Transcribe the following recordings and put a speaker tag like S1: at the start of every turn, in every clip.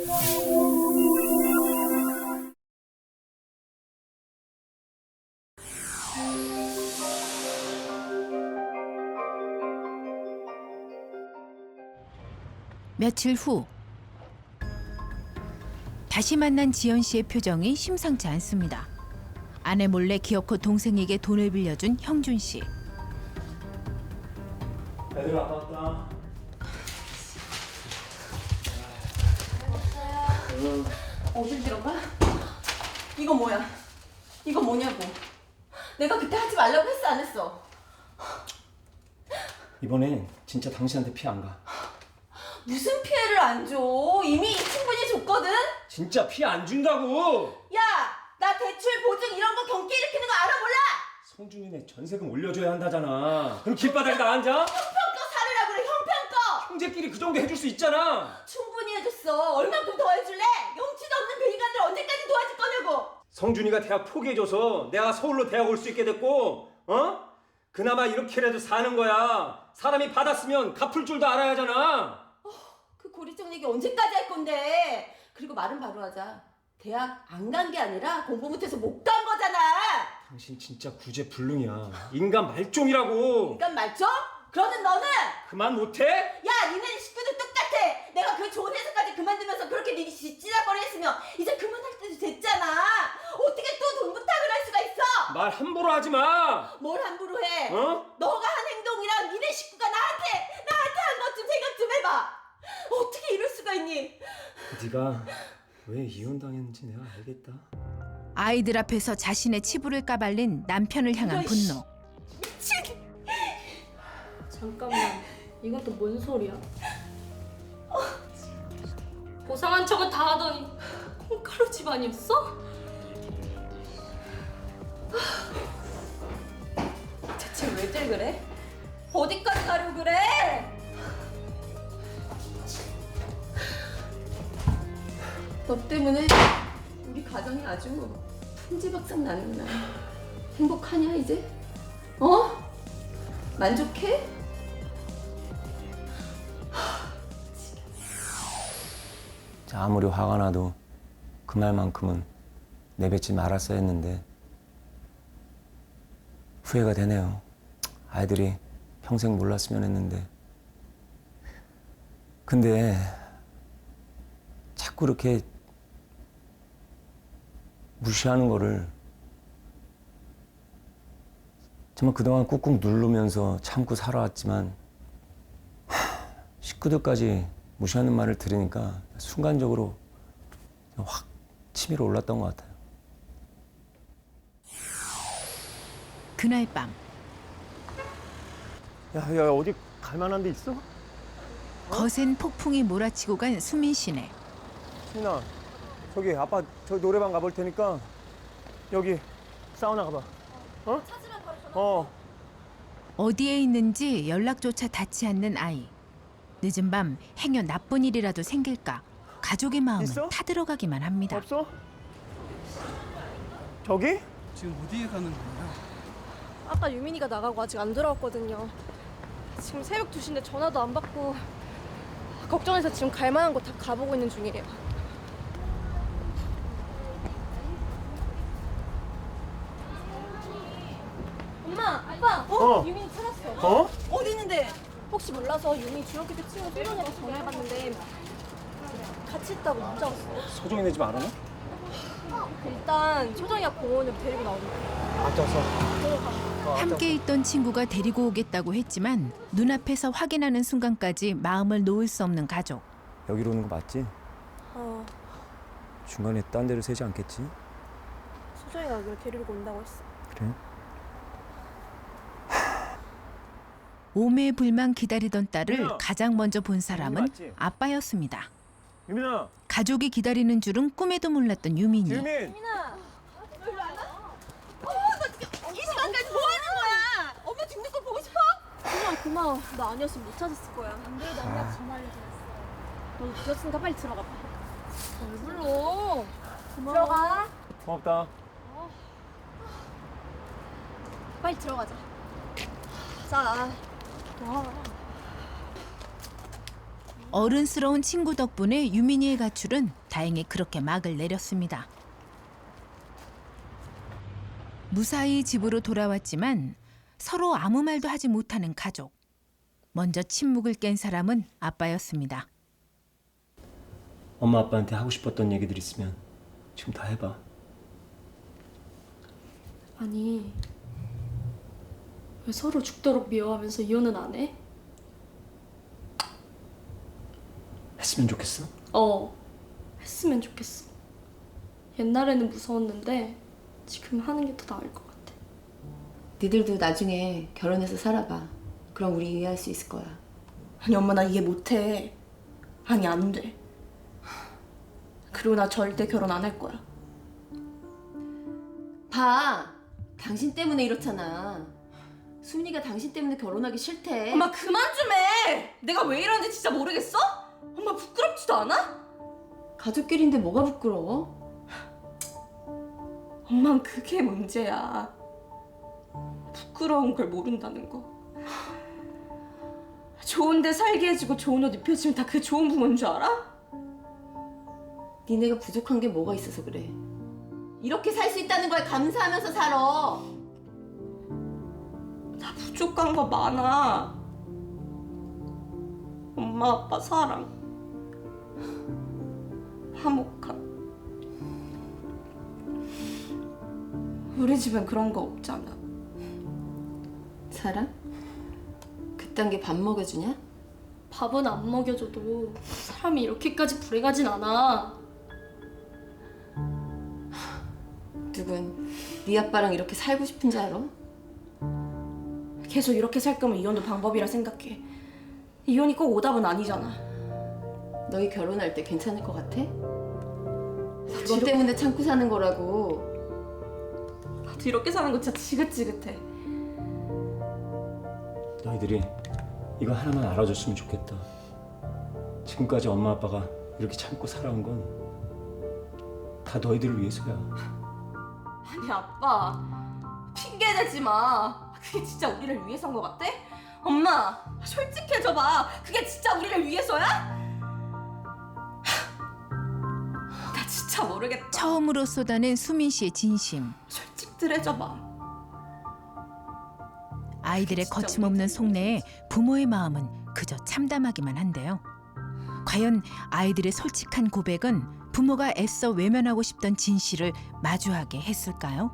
S1: 며칠 후 다시 만난 지연 씨의 표정이 심상치 않습니다. 아내 몰래 기어코 동생에게 돈을 빌려준 형준 씨.
S2: 애들 아빠 왔다.
S3: 어딜 들어가? 이거 뭐야? 이거 뭐냐고? 내가 그때 하지 말라고 했어 안 했어?
S2: 이번엔 진짜 당신한테 피 안 가.
S3: 무슨 피해를 안 줘? 이미 충분히 줬거든?
S2: 진짜 피 안 준다고!
S3: 야! 나 대출 보증 이런 거 경기 일으키는 거 알아 몰라?
S2: 성준이네 전세금 올려줘야 한다잖아. 그럼 길바닥에 나 앉아?
S3: 형편껏 살으라 그래 형편껏!
S2: 형제끼리 그 정도 해줄 수 있잖아.
S3: 충분히 해줬어. 얼만큼 더 해줄래? 용치도 없는 그 인간들 언제까지 도와줄 거냐고!
S2: 성준이가 대학 포기해줘서 내가 서울로 대학 올 수 있게 됐고, 어? 그나마 이렇게라도 사는 거야. 사람이 받았으면 갚을 줄도 알아야 하잖아.
S3: 그 고리적 얘기 언제까지 할 건데? 그리고 말은 바로 하자. 대학 안 간 게 아니라 공부 못해서 못 간 거잖아.
S2: 당신 진짜 구제불능이야. 인간 말종이라고.
S3: 인간 말죠? 그러는 너는?
S2: 그만 못해?
S3: 야, 니네 식구들 똑같아. 내가 그 좋은 회사까지 그만두면서 그렇게 니네 쥐지락거리 했으면 이제 그만할 때도 됐잖아. 어떻게 또 돈 부탁을 할 수가 있어?
S2: 말 함부로 하지 마.
S3: 뭘 함부로 해?
S2: 어?
S3: 너가 한 행동이랑 니네 식구가 나한테 한 것 좀 생각 좀 해봐. 어떻게 이럴 수가 있니?
S2: 네가 왜 이혼당했는지 내가 알겠다.
S1: 아이들 앞에서 자신의 치부를 까발린 남편을 향한 분노.
S3: 미친!
S4: 잠깐만, 이건 또 뭔 소리야? 고상한 척은 다 하더니 콩가루 집안이었어?
S3: 대체 왜들 그래? 어디까지 가려고 그래? 너 때문에 우리 가정이 아주 풍지박산 나는구나. 행복하냐 이제? 어? 만족해?
S2: 아무리 화가 나도 그 말만큼은 내뱉지 말았어야 했는데 후회가 되네요. 아이들이 평생 몰랐으면 했는데. 근데 자꾸 이렇게 무시하는 거를 정말 그동안 꾹꾹 누르면서 참고 살아왔지만 식구들까지 무시하는 말을 들으니까 순간적으로 확 치밀어 올랐던 것 같아요.
S1: 그날 밤
S5: 야, 어디 갈 만한 데 있어?
S1: 거센 폭풍이 몰아치고 간 수민 씨네.
S5: 수민아, 저기 아빠 저 노래방 가볼 테니까 여기 사우나 가봐. 어?
S3: 찾으면 바로 전화.
S5: 어.
S1: 어디에 있는지 연락조차 닿지 않는 아이. 늦은 밤 행여 나쁜 일이라도 생길까 가족의 마음은
S5: 있어?
S1: 타들어가기만 합니다.
S5: 없어? 저기?
S6: 지금 어디에 가는 거예요?
S4: 아까 유민이가 나가고 아직 안 돌아왔거든요. 지금 새벽 2시인데 전화도 안 받고 걱정해서 지금 갈 만한 곳 다 가보고 있는 중이에요. 엄마, 아빠,
S5: 어.
S4: 유민이 찾았어.
S5: 어?
S3: 어디 있는데?
S4: 혹시 몰라서 유민이 중학교 때 친구 소정이랑 전화해봤는데 같이 있다고 문자 왔어.
S2: 소정이네 집 알아나?
S4: 일단 소정이가 공원으로 데리고 나오는데.
S5: 앞장서.
S1: 함께 있던 친구가 데리고 오겠다고 했지만 눈앞에서 확인하는 순간까지 마음을 놓을 수 없는 가족.
S5: 여기로 오는 거 맞지?
S4: 어,
S5: 중간에 딴 데로 새지 않겠지?
S4: 소정이가 여기를 데리고 온다고 했어.
S5: 그래?
S1: 오매불망 기다리던 딸을
S5: 유민아!
S1: 가장 먼저 본 사람은
S5: 맞지?
S1: 아빠였습니다.
S5: 유민아!
S1: 가족이 기다리는 줄은 꿈에도 몰랐던 유민이.
S5: 유민!
S4: 유민아!
S3: 이 시간까지 뭐 하는 거야? 엄마 죽는 거 보고 싶어?
S4: 고마워. 나 아니었으면 못 찾았을 거야. 안 그래도 엄마한테 전화 알려드렸어. 너 늦었으니까 빨리 들어가 봐. 왜 불러? 고마워. 들어가.
S5: 고맙다.
S4: 빨리 들어가자. 자. 와.
S1: 어른스러운 친구 덕분에 유민이의 가출은 다행히 그렇게 막을 내렸습니다. 무사히 집으로 돌아왔지만 서로 아무 말도 하지 못하는 가족. 먼저 침묵을 깬 사람은 아빠였습니다.
S2: 엄마 아빠한테 하고 싶었던 얘기들 있으면 지금 다 해봐.
S4: 아니, 왜 서로 죽도록 미워하면서 이혼은 안 해?
S2: 했으면 좋겠어?
S4: 했으면 좋겠어. 옛날에는 무서웠는데 지금 하는 게 더 나을 것 같아.
S3: 니들도 나중에 결혼해서 살아봐. 그럼 우리 이해할 수 있을 거야.
S7: 아니 엄마 나 이해 못해. 아니 안 돼. 그리고 나 절대 결혼 안 할 거야.
S3: 봐. 당신 때문에 이렇잖아. 수민이가 당신 때문에 결혼하기 싫대.
S7: 엄마 그만 좀 해. 내가 왜 이러는지 진짜 모르겠어? 엄마 부끄럽지도 않아?
S3: 가족끼리인데 뭐가 부끄러워?
S7: 엄만 그게 문제야. 부끄러운 걸 모른다는 거. 좋은데 살게 해주고 좋은 옷 입혀주면 다 그게 좋은 부모인 줄 알아?
S3: 니네가 부족한 게 뭐가 있어서 그래. 이렇게 살 수 있다는 거에 감사하면서 살아.
S7: 나 부족한 거 많아. 엄마 아빠 사랑. 화목함. 우리 집엔 그런 거 없잖아.
S3: 사랑? 그딴 게 밥 먹여주냐?
S4: 밥은 안 먹여줘도 사람이 이렇게까지 불행하진 않아.
S3: 누군 네 아빠랑 이렇게 살고 싶은 줄 알아?
S7: 계속 이렇게 살 거면 이혼도 방법이라 생각해. 이혼이 꼭 오답은 아니잖아.
S3: 너희 결혼할 때 괜찮을 것 같아? 그것 때문에 참고 사는 거라고.
S7: 나도 이렇게 사는 거 진짜 지긋지긋해.
S2: 너희들이 이거 하나만 알아줬으면 좋겠다. 지금까지 엄마 아빠가 이렇게 참고 살아온 건 다 너희들을 위해서야.
S7: 아니 아빠 핑계 대지 마. 그게 진짜 우리를 위해서인 것 같아? 엄마 솔직해져봐. 그게 진짜 우리를 위해서야? 나 진짜 모르겠다.
S1: 처음으로 쏟아낸 수민 씨의 진심.
S7: 솔직들해져봐.
S1: 아이들의 거침없는 속내에 부모의 마음은 그저 참담하기만 한데요. 과연 아이들의 솔직한 고백은 부모가 애써 외면하고 싶던 진실을 마주하게 했을까요?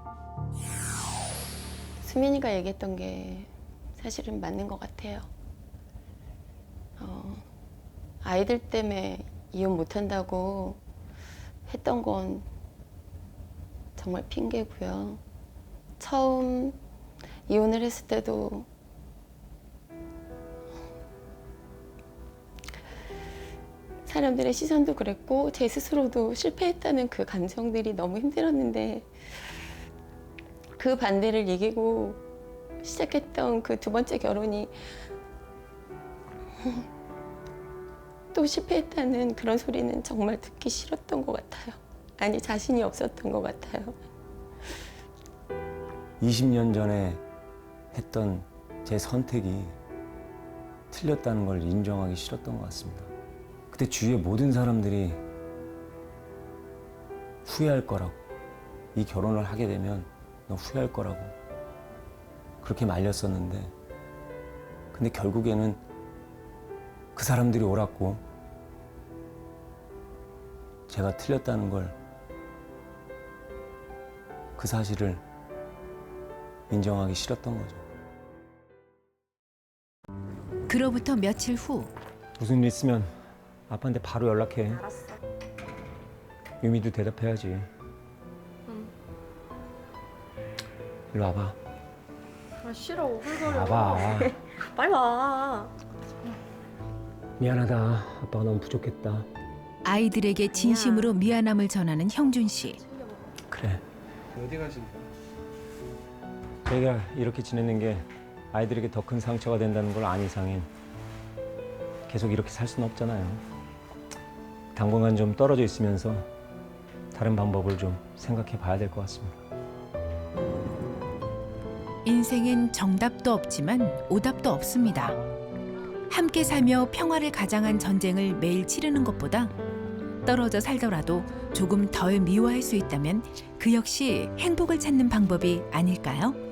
S8: 수민이가 얘기했던 게 사실은 맞는 것 같아요. 아이들 때문에 이혼 못한다고 했던 건 정말 핑계고요. 처음 이혼을 했을 때도 사람들의 시선도 그랬고 제 스스로도 실패했다는 그 감정들이 너무 힘들었는데 그 반대를 이기고 시작했던 그 두 번째 결혼이 또 실패했다는 그런 소리는 정말 듣기 싫었던 것 같아요. 아니 자신이 없었던 것 같아요.
S2: 20년 전에 했던 제 선택이 틀렸다는 걸 인정하기 싫었던 것 같습니다. 그때 주위의 모든 사람들이 후회할 거라고, 이 결혼을 하게 되면 너 후회할 거라고 그렇게 말렸었는데, 근데 결국에는 그 사람들이 옳았고 제가 틀렸다는 걸, 그 사실을 인정하기 싫었던 거죠.
S1: 그로부터 며칠 후
S2: 무슨 일 있으면 아빠한테 바로 연락해.
S4: 알았어.
S2: 유미도 대답해야지.
S4: 응.
S2: 일로 와봐.
S4: 아 싫어. 오글거려.
S2: 와봐.
S4: 빨리 와.
S2: 미안하다. 아빠가 너무 부족했다.
S1: 아이들에게 진심으로 미안함을 전하는 형준 씨.
S2: 그래.
S6: 어디 가신 거야?
S2: 저희가 이렇게 지내는 게 아이들에게 더 큰 상처가 된다는 걸 안 이상엔 계속 이렇게 살 수는 없잖아요. 당분간 좀 떨어져 있으면서 다른 방법을 좀 생각해 봐야 될 것 같습니다.
S1: 인생엔 정답도 없지만 오답도 없습니다. 함께 살며 평화를 가장한 전쟁을 매일 치르는 것보다 떨어져 살더라도 조금 덜 미워할 수 있다면 그 역시 행복을 찾는 방법이 아닐까요?